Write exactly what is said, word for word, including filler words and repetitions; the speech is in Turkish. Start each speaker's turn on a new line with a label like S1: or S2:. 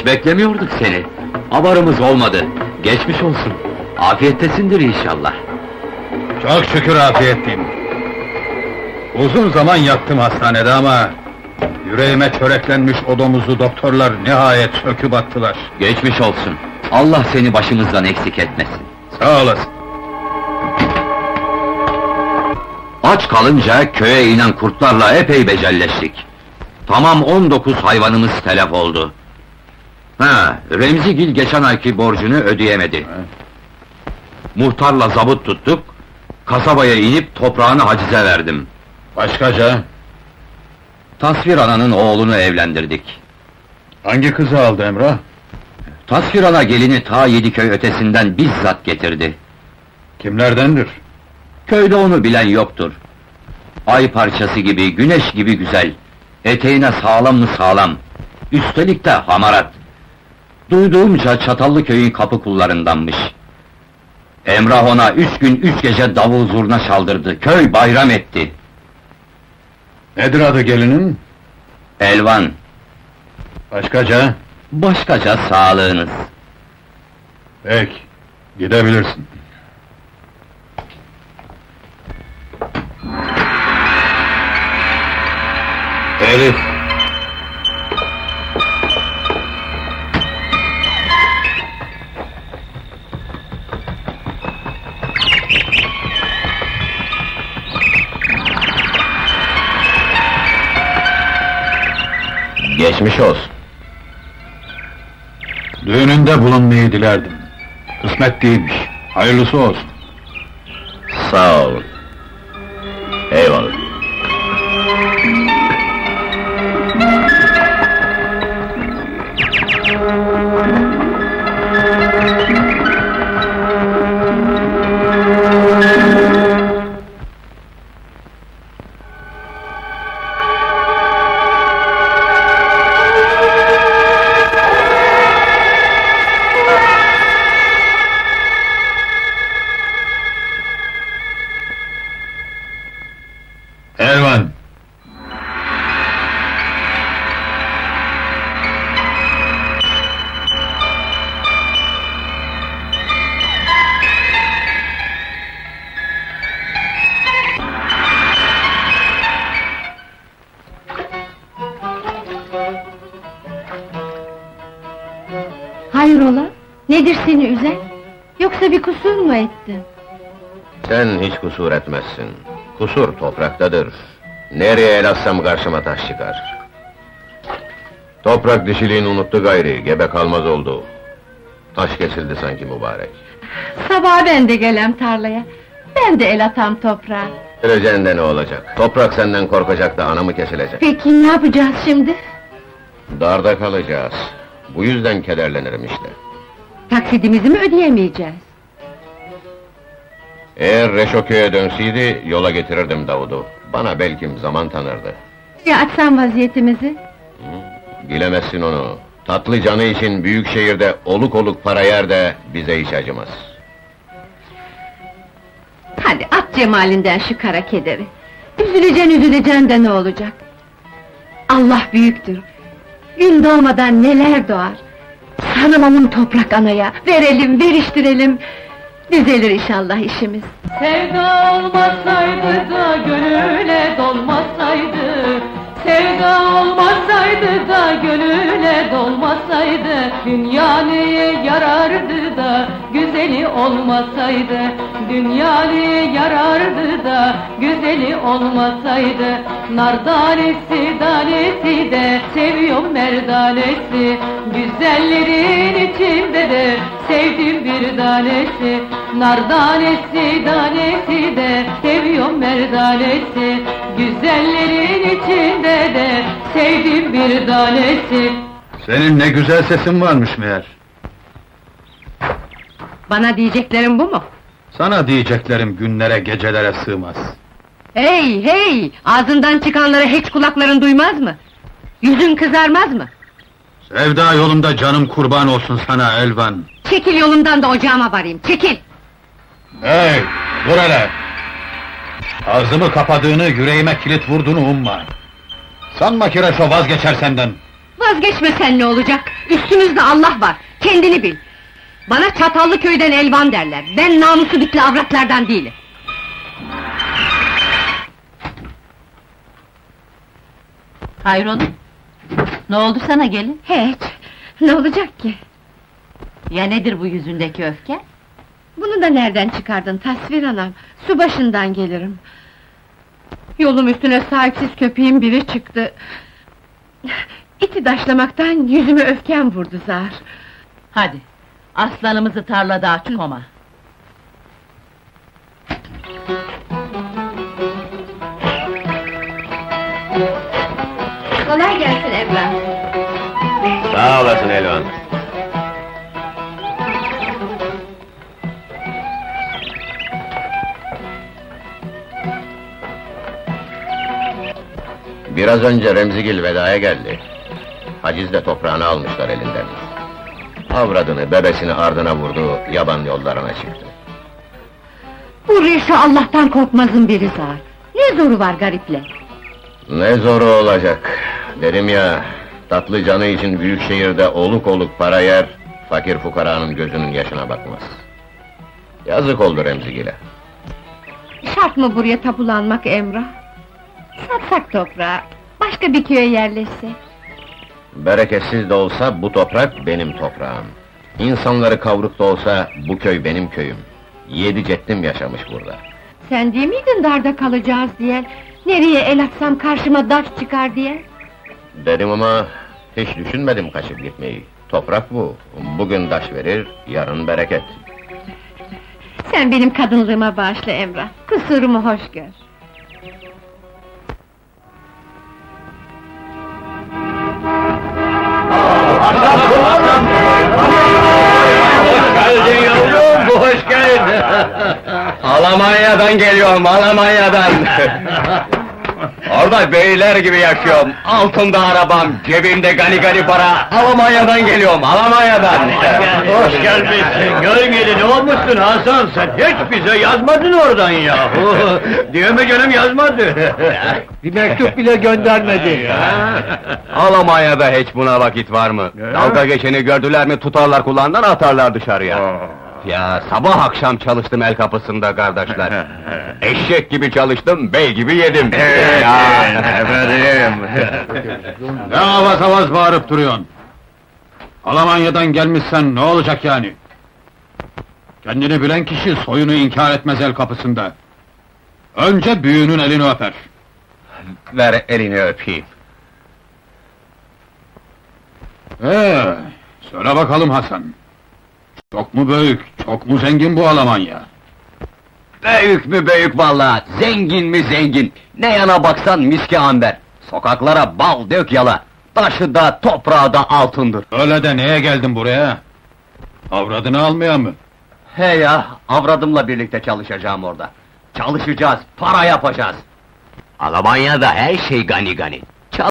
S1: Hiç beklemiyorduk seni. Haberimiz olmadı. Geçmiş olsun. Afiyettesindir inşallah.
S2: Çok şükür afiyetliyim. Uzun zaman yattım hastanede ama... yüreğime çöreklenmiş o domuzu doktorlar nihayet söküp attılar.
S1: Geçmiş olsun. Allah seni başımızdan eksik etmesin.
S2: Sağ olasın.
S1: Aç kalınca köye inen kurtlarla epey becelleştik. Tamam on dokuz hayvanımız telef oldu. Ha, Remzigil geçen ayki borcunu ödeyemedi. Muhtarla zabıt tuttuk, kasabaya inip toprağını hacize verdim.
S2: Başkaca?
S1: Tasvir ananın oğlunu evlendirdik.
S2: Hangi kızı aldı Emrah?
S1: Tasvir ana gelini ta Yediköy ötesinden bizzat getirdi.
S2: Kimlerdendir?
S1: Köyde onu bilen yoktur. Ay parçası gibi, güneş gibi güzel. Eteğine sağlam mı sağlam. Üstelik de hamarat. Duyduğumca Çatallıköy'ün kapı kullarındanmış. Emrah ona üç gün üç gece davul zurna çaldırdı. Köy bayram etti.
S2: Nedir adı gelinin?
S1: Elvan.
S2: Başkaca?
S1: Başkaca sağlığınız.
S2: Peki, gidebilirsin. Elif!
S1: Geçmiş olsun.
S2: Düğününde bulunmayı dilerdim. Kısmet değilmiş, hayırlısı olsun.
S1: Sağ olun. Eyvallah.
S2: Elvan!
S3: Hayrola? Nedir seni üzen? Yoksa bir kusur mu ettin?
S4: Sen hiç kusur etmezsin. Kusur topraktadır. Nereye el atsam karşıma taş çıkar. Toprak dişiliğini unuttu gayri, gebe kalmaz oldu. Taş kesildi sanki mübarek.
S3: Sabah ben de gelem tarlaya. Ben de el atam toprağa.
S4: Öleceğin de ne olacak? Toprak senden korkacak da anamı kesilecek.
S3: Peki ne yapacağız şimdi?
S4: Darda kalacağız. Bu yüzden kederlenirim işte.
S3: Taksidimizi mi ödeyemeyeceğiz?
S4: Eğer Reşoköy'e dönseydi, yola getirirdim Davud'u. Bana belkim zaman tanırdı.
S3: Ya açsam vaziyetimizi?
S4: Bilemezsin onu. Tatlı canı için büyük şehirde oluk oluk para yer de bize hiç acımaz.
S3: Hadi at cemalinden şu kara kederi. Üzüleceksin üzüleceksin de ne olacak? Allah büyüktür. Gün doğmadan neler doğar. Sarılalım toprak anaya, verelim, veriştirelim. Düzelir inşallah işimiz.
S5: Sevda olmasaydı da gönüle dolmasaydı, sevda olmasaydı da gönüle dolmasaydı, dünya neye yarardı da güzeli olmasaydı, dünya neye yarardı da güzeli olmasaydı, nar tanesi tanesi de seviyorum merdanesi, güzellerin içinde de sevdim bir tanesi, nar tanesi tanesi de seviyorum merdanesi, güzellerin içinde de sevdim bir tanesi.
S2: Senin ne güzel sesin varmış meğer.
S3: Bana diyeceklerin bu mu?
S2: Sana diyeceklerim günlere, gecelere sığmaz.
S3: Hey hey! Ağzından çıkanları hiç kulakların duymaz mı? Yüzün kızarmaz mı?
S2: Sevda yolunda canım kurban olsun sana Elvan.
S3: Çekil yolumdan da ocağıma varayım, çekil!
S2: Hey, dur hele! Ağzımı kapadığını, yüreğime kilit vurduğunu umma! Sanma ki Reşo vazgeçer senden!
S3: Vazgeçmesen ne olacak? Üstümüzde Allah var, kendini bil! Bana Çatallı köyden elvan derler, ben namusu bitli avratlardan değilim!
S5: Hayrola? Ne oldu sana gelin?
S3: Hiç, ne olacak ki?
S5: Ya nedir bu yüzündeki öfke?
S3: Bunu da nereden çıkardın tasvir anam? Su başından gelirim. Yolum üstüne sahipsiz köpeğin biri çıktı. İti daşlamaktan yüzüme öfkem vurdu zar.
S5: Hadi, aslanımızı tarlada aç koma.
S3: Kolay gelsin Emrah.
S4: Sağ olasın Elvan. Biraz önce Remzigil vedaya geldi. Hacizle toprağını almışlar elinden. Avradını, bebesini ardına vurdu, yaban yollarına çıktı.
S3: Bu Reşo Allah'tan korkmazın biri zar. Ne zoru var gariple?
S4: Ne zoru olacak, dedim ya, tatlı canı için büyük şehirde oluk oluk para yer, fakir fukaranın gözünün yaşına bakmaz. Yazık oldu Remzigil'e.
S3: Şart mı buraya tapulanmak Emrah? Satsak toprağı, başka bir köye yerleşse.
S4: Bereketsiz de olsa bu toprak benim toprağım. İnsanları kavruk da olsa bu köy benim köyüm. Yedi ceddim yaşamış burada.
S3: Sen değil miydin darda kalacağız diye? Nereye el atsam karşıma daş çıkar diye?
S4: Dedim ama hiç düşünmedim kaçıp gitmeyi. Toprak bu, bugün taş verir, yarın bereket.
S3: Sen benim kadınlığıma bağışla Emrah, kusurumu hoş gör.
S1: Geldin yavrum, hoş geldin! Almanya'dan geliyorum, Almanya'dan! Orada beyler gibi yaşıyorum, altımda arabam, cebimde gani gani para, Almanya'dan geliyorum, Almanya'dan!
S2: Hoş gelmişsin, gölgeli ne olmuşsun Hasan, sen hiç bize yazmadın oradan yahu! Diyor mu canım yazmadı? Bir mektup bile göndermedi.
S1: Almanya'da hiç buna vakit var mı? Dalga geçeni gördüler mi tutarlar kulağından atarlar dışarıya. Ya sabah akşam çalıştım el kapısında kardeşler. Eşek gibi çalıştım, bey gibi yedim. Ya.
S2: Efendim! Ne avaz avaz bağırıp duruyorsun? Almanya'dan gelmişsen ne olacak yani? Kendini bilen kişi soyunu inkar etmez el kapısında. Önce büyüğünün elini öper.
S1: Ver elini öpeyim.
S2: Ee, söyle bakalım Hasan. Çok mu büyük, çok mu zengin bu Almanya?
S1: Büyük mü büyük vallahi, zengin mi zengin. Ne yana baksan miski amber. Sokaklara bal dök yala. Taşı da toprağı da altındır.
S2: Öyle de neye geldin buraya? Avradını almaya mı?
S1: He ya, avradımla birlikte çalışacağım orada. Çalışacağız, para yapacağız. Almanya'da her şey gani gani.